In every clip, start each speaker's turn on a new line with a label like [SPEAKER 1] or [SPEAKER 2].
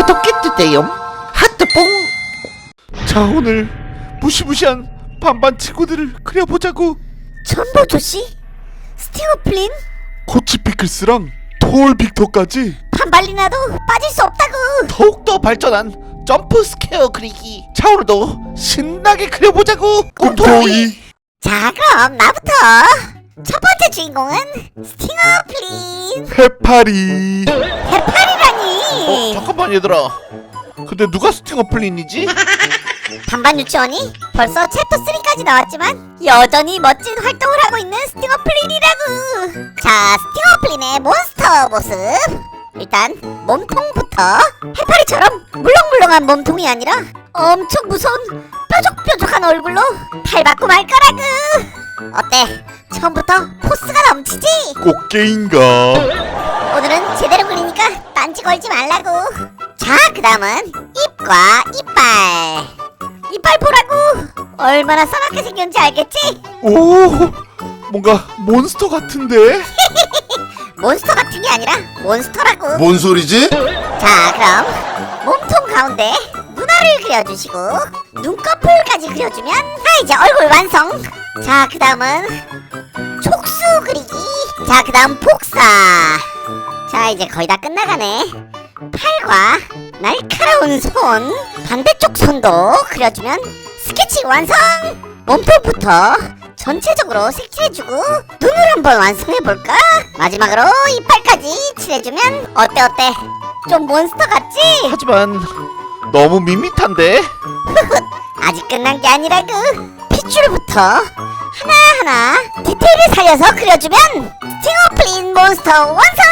[SPEAKER 1] 구독해주세요. 하트뽕.
[SPEAKER 2] 자, 오늘 무시무시한 반반 친구들을 그려보자고.
[SPEAKER 3] 전보조씨, 스팅어플린,
[SPEAKER 2] 코치 피클스랑 톨 빅터까지
[SPEAKER 3] 반발리나도 빠질 수 없다고.
[SPEAKER 1] 더욱더 발전한 점프 스퀘어 그리기. 자, 오늘도 신나게 그려보자고.
[SPEAKER 2] 꿈토이.
[SPEAKER 3] 자, 그럼 나부터. 첫 번째 주인공은 스팅어플린.
[SPEAKER 2] 해파리.
[SPEAKER 3] 해파리라니.
[SPEAKER 1] 잠깐만 얘들아, 근데 누가 스팅어플린이지?
[SPEAKER 3] 반반 유치원이 벌써 챕터 3까지 나왔지만 여전히 멋진 활동을 하고 있는 스팅어플린이라고. 자, 스팅어플린의 몬스터 모습. 일단 몸통부터 해파리처럼 물렁물렁한 몸통이 아니라 엄청 무서운 뾰족뾰족한 얼굴로 탈받고 말 거라고. 어때? 처음부터 포스가 넘치지?
[SPEAKER 2] 꽃게인가?
[SPEAKER 3] 오늘은 제대로 그리니까 딴지 걸지 말라고. 자, 그 다음은 입과 이빨. 이빨 보라고. 얼마나 싸납게 생겼는지 알겠지?
[SPEAKER 2] 오, 뭔가 몬스터 같은데?
[SPEAKER 3] 몬스터 같은 게 아니라 몬스터라고.
[SPEAKER 4] 뭔 소리지?
[SPEAKER 3] 자, 그럼 몸통 가운데 눈알을 그려주시고 눈꺼풀까지 그려주면 이제 얼굴 완성. 자, 그 다음은 촉수 그리기. 자, 그 다음 복사. 자, 이제 거의 다 끝나가네. 팔과 날카로운 손, 반대쪽 손도 그려주면 스케치 완성. 몸통부터 전체적으로 색칠해주고 눈을 한번 완성해볼까? 마지막으로 이빨까지 칠해주면 어때? 좀 몬스터 같지?
[SPEAKER 1] 하지만 너무 밋밋한데?
[SPEAKER 3] 아직 끝난 게 아니라고. 핏줄부터 하나하나 디테일을 살려서 그려주면 스팅어플린 몬스터 완성!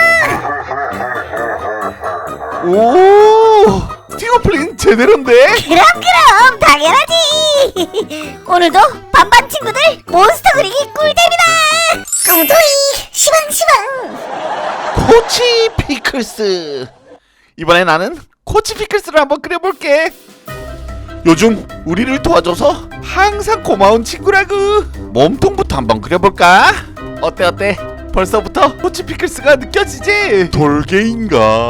[SPEAKER 2] 오, 스팅어플린 제대로인데?
[SPEAKER 3] 그럼 당연하지. 오늘도 반반 친구들 몬스터 그리기 꿀잼이다. 꿈토이 시방시방.
[SPEAKER 1] 코치 피클스. 이번에 나는 코치 피클스를 한번 그려볼게.
[SPEAKER 2] 요즘 우리를 도와줘서 항상 고마운 친구라고.
[SPEAKER 1] 몸통부터 한번 그려볼까? 어때? 벌써부터 코치 피클스가 느껴지지?
[SPEAKER 2] 돌게인가?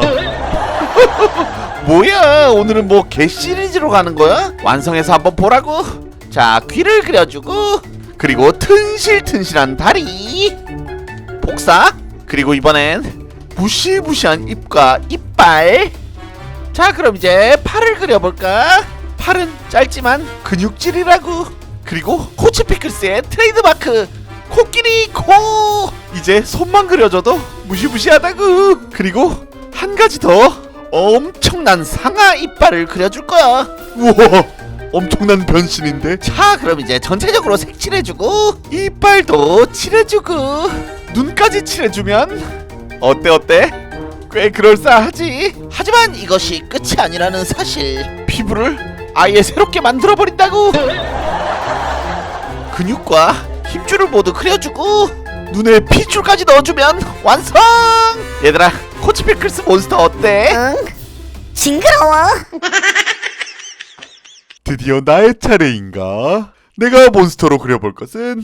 [SPEAKER 1] 뭐야, 오늘은 뭐 개 시리즈로 가는 거야? 완성해서 한번 보라고. 자, 귀를 그려주고, 그리고 튼실튼실한 다리, 복사, 그리고 이번엔 무시무시한 입과 이빨. 자, 그럼 이제 팔을 그려볼까? 팔은 짧지만 근육질이라고. 그리고 코치 피클스의 트레이드마크 코끼리 코. 이제 손만 그려줘도 무시무시하다고. 그리고 한 가지 더, 엄청난 상아 이빨을 그려줄 거야.
[SPEAKER 2] 우와, 엄청난 변신인데?
[SPEAKER 1] 자, 그럼 이제 전체적으로 색칠해주고 이빨도 칠해주고 눈까지 칠해주면 어때? 꽤 그럴싸하지? 하지만 이것이 끝이 아니라는 사실. 피부를 아예 새롭게 만들어버린다고. 근육과 힘줄을 모두 그려주고 눈에 핏줄까지 넣어주면 완성! 얘들아, 코치 피클스 몬스터 어때?
[SPEAKER 3] 응? 징그러워.
[SPEAKER 2] 드디어 나의 차례인가? 내가 몬스터로 그려볼 것은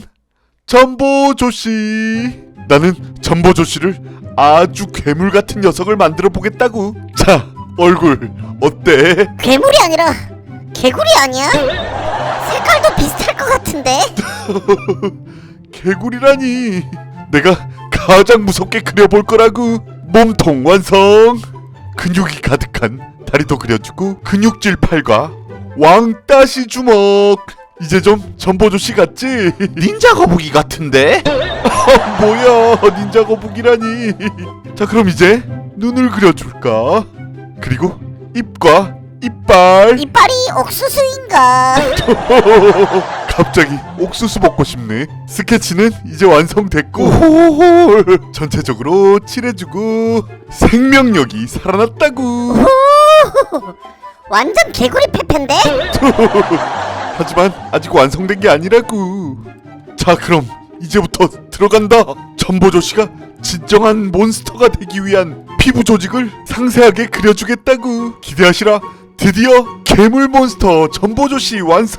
[SPEAKER 2] 전보조씨. 나는 전보조씨를 아주 괴물 같은 녀석을 만들어 보겠다고. 자, 얼굴 어때?
[SPEAKER 3] 괴물이 아니라 개구리 아니야? 색깔도 비슷할 것 같은데.
[SPEAKER 2] 개구리라니. 내가 가장 무섭게 그려볼 거라고. 몸통 완성. 근육이 가득한 다리도 그려주고 근육질 팔과 왕따시 주먹. 이제 좀 전보조씨 같지?
[SPEAKER 1] 닌자 거북이 같은데?
[SPEAKER 2] 뭐야, 닌자 거북이라니. 자, 그럼 이제 눈을 그려줄까? 그리고 입과 이빨.
[SPEAKER 3] 이빨이 옥수수인가?
[SPEAKER 2] 갑자기 옥수수 먹고 싶네. 스케치는 이제 완성됐고
[SPEAKER 1] 오호호.
[SPEAKER 2] 전체적으로 칠해주고 생명력이 살아났다고.
[SPEAKER 3] 완전 개구리 페페인데?
[SPEAKER 2] 하지만 아직 완성된 게 아니라고. 자, 그럼 이제부터 들어간다. 전보조씨가 진정한 몬스터가 되기 위한 피부 조직을 상세하게 그려주겠다고. 기대하시라. 드디어 괴물 몬스터 전보조씨 완성.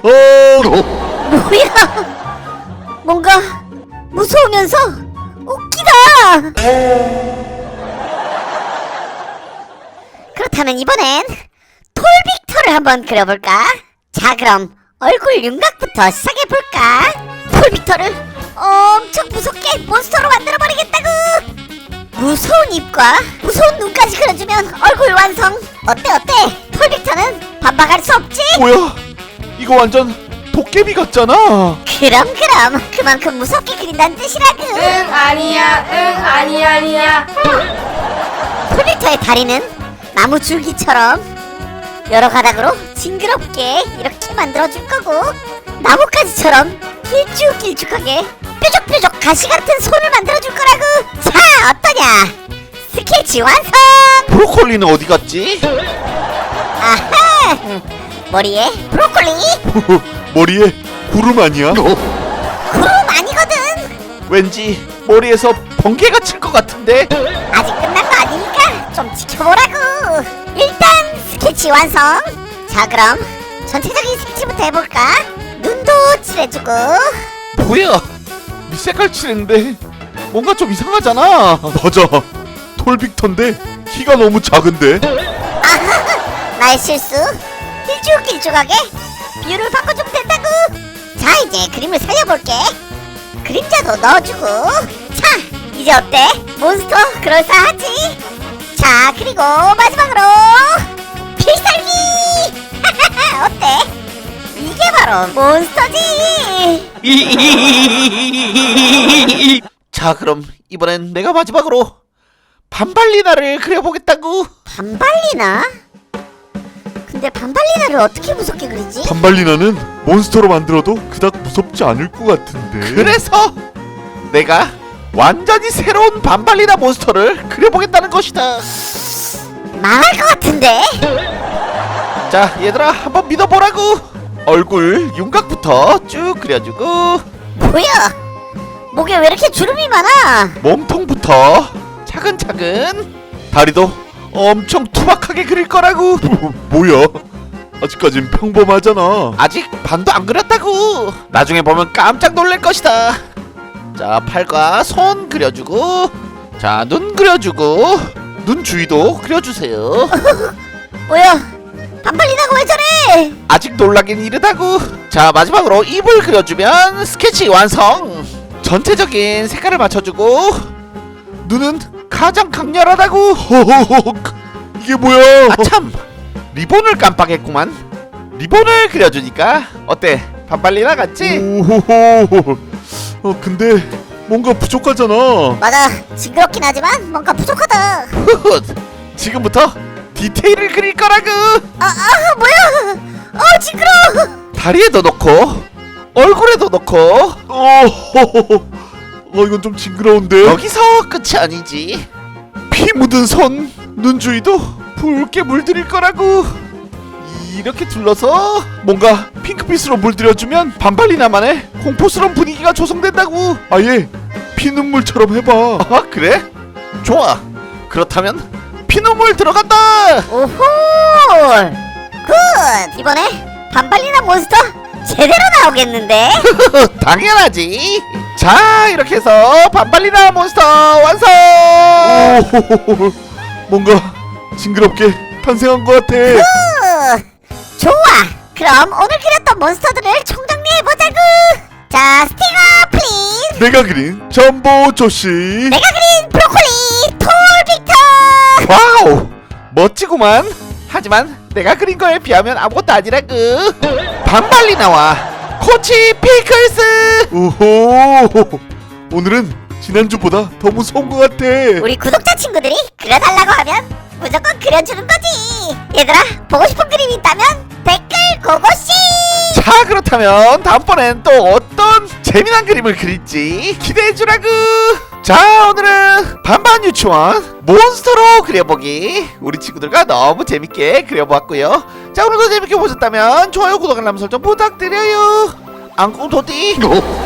[SPEAKER 3] 뭐야? 뭔가 무서우면서 웃기다. 그렇다면 이번엔 톨빅터를 한번 그려볼까? 자, 그럼 얼굴 윤곽부터 시작해볼까? 톨빅터를 엄청 무섭게 몬스터로 만들어버리겠다고! 무서운 입과 무서운 눈까지 그려주면 얼굴 완성! 어때? 톨빅터는 반박할 수 없지?
[SPEAKER 2] 뭐야? 이거 완전 도깨비 같잖아.
[SPEAKER 3] 그럼 그만큼 무섭게 그린다는 뜻이라고!
[SPEAKER 4] 응 아니야 응 아니야
[SPEAKER 3] 톨빅터의 다리는 나무 줄기처럼 여러 가닥으로 징그럽게 이렇게 만들어줄 거고, 나뭇가지처럼 길쭉길쭉하게 뾰족뾰족 가시 같은 손을 만들어줄 거라고. 자, 어떠냐? 스케치 완성!
[SPEAKER 1] 브로콜리는 어디 갔지?
[SPEAKER 3] 아하! 머리에 브로콜리,
[SPEAKER 2] 머리에 구름 아니야?
[SPEAKER 3] 구름 아니거든.
[SPEAKER 1] 왠지 머리에서 번개가 칠 것 같은데.
[SPEAKER 3] 아직 끝난 거 아니니까 좀 지켜보라고. 일단 스케치 완성. 자, 그럼 전체적인 스케치부터 해볼까? 눈도 칠해주고.
[SPEAKER 1] 뭐야? 밑색깔 칠했는데 뭔가 좀 이상하잖아.
[SPEAKER 2] 맞아. 톨빅터인데 키가 너무 작은데.
[SPEAKER 3] 나의 실수. 길쭉길쭉하게 비율을 바꿔주면 된다고. 자, 이제 그림을 살려볼게. 그림자도 넣어주고. 자, 이제 어때? 몬스터 그럴싸하지? 자, 그리고 마지막으로 필살기. 어때? 이게 바로 몬스터지.
[SPEAKER 1] 자, 그럼 이번엔 내가 마지막으로 반발리나를 그려보겠다고.
[SPEAKER 3] 반발리나? 근데 반발리나를 어떻게 무섭게 그리지?
[SPEAKER 2] 반발리나는 몬스터로 만들어도 그닥 무섭지 않을 것 같은데.
[SPEAKER 1] 그래서 내가 완전히 새로운 반발리나 몬스터를 그려보겠다는 것이다.
[SPEAKER 3] 망할 것 같은데?
[SPEAKER 1] 자, 얘들아, 한번 믿어보라고. 얼굴 윤곽부터 쭉 그려주고,
[SPEAKER 3] 뭐야? 목에 왜 이렇게 주름이 많아?
[SPEAKER 1] 몸통부터 차근차근, 다리도 엄청 투박하게 그릴 거라고.
[SPEAKER 2] 뭐야? 아직까진 평범하잖아.
[SPEAKER 1] 아직 반도 안 그렸다고. 나중에 보면 깜짝 놀랄 것이다. 자, 팔과 손 그려주고, 자, 눈 그려주고, 눈 주위도 그려주세요.
[SPEAKER 3] 뭐야? 반발리나가 왜 저래?
[SPEAKER 1] 아직 놀라긴 이르다고. 자, 마지막으로 입을 그려주면 스케치 완성. 전체적인 색깔을 맞춰주고, 눈은 가장 강렬하다고.
[SPEAKER 2] 허허허. 이게 뭐야?
[SPEAKER 1] 아 참, 리본을 깜빡했구만. 리본을 그려주니까 어때? 반발리나 같지?
[SPEAKER 2] 오호호. 근데 뭔가 부족하잖아.
[SPEAKER 3] 맞아, 징그럽긴 하지만 뭔가 부족하다.
[SPEAKER 1] 후훗, 지금부터 디테일을 그릴 거라고.
[SPEAKER 3] 뭐야? 징그러워.
[SPEAKER 1] 다리에도 넣고 얼굴에도 넣고.
[SPEAKER 2] 어허허허. 이건 좀 징그러운데.
[SPEAKER 1] 여기서 끝이 아니지. 피 묻은 손, 눈 주위도 붉게 물들일 거라고. 이렇게 둘러서 뭔가 핑크빛으로 물들여주면 반발리나만의 공포스러운 분위기가 조성된다고.
[SPEAKER 2] 아예 피눈물처럼 해봐.
[SPEAKER 1] 아, 그래? 좋아. 그렇다면 피눈물 들어간다.
[SPEAKER 3] 오호. 굿. 이번에 반발리나 몬스터 제대로 나오겠는데?
[SPEAKER 1] 당연하지. 자, 이렇게 해서 반발리나 몬스터 완성.
[SPEAKER 2] 오호호호. 뭔가 징그럽게 탄생한 것 같아.
[SPEAKER 3] 좋아. 그럼 오늘 그렸던 몬스터들을 총정리해보자구. 자, 스티커 플리즈.
[SPEAKER 2] 내가 그린 전보 조씨.
[SPEAKER 3] 내가 그린 브로콜리 톨빅터.
[SPEAKER 1] 와우, 멋지구만. 하지만 내가 그린 거에 비하면 아무것도 아니라고. 반발리나와 코치 피클스.
[SPEAKER 2] 오호. 오늘은 지난주보다 더 무서운 것 같아.
[SPEAKER 3] 우리 구독자 친구들이 그려달라고 하면 무조건 그려주는 거지. 얘들아, 보고 싶은 그림이 있다면 댓글 고고씨.
[SPEAKER 1] 자, 그렇다면 다음번엔 또 어떤 재미난 그림을 그릴지 기대해주라고. 자, 오늘은 반반 유치원 몬스터로 그려보기 우리 친구들과 너무 재밌게 그려보았고요. 자, 오늘도 재밌게 보셨다면 좋아요, 구독, 알람 설정 부탁드려요. 앙꽁토띠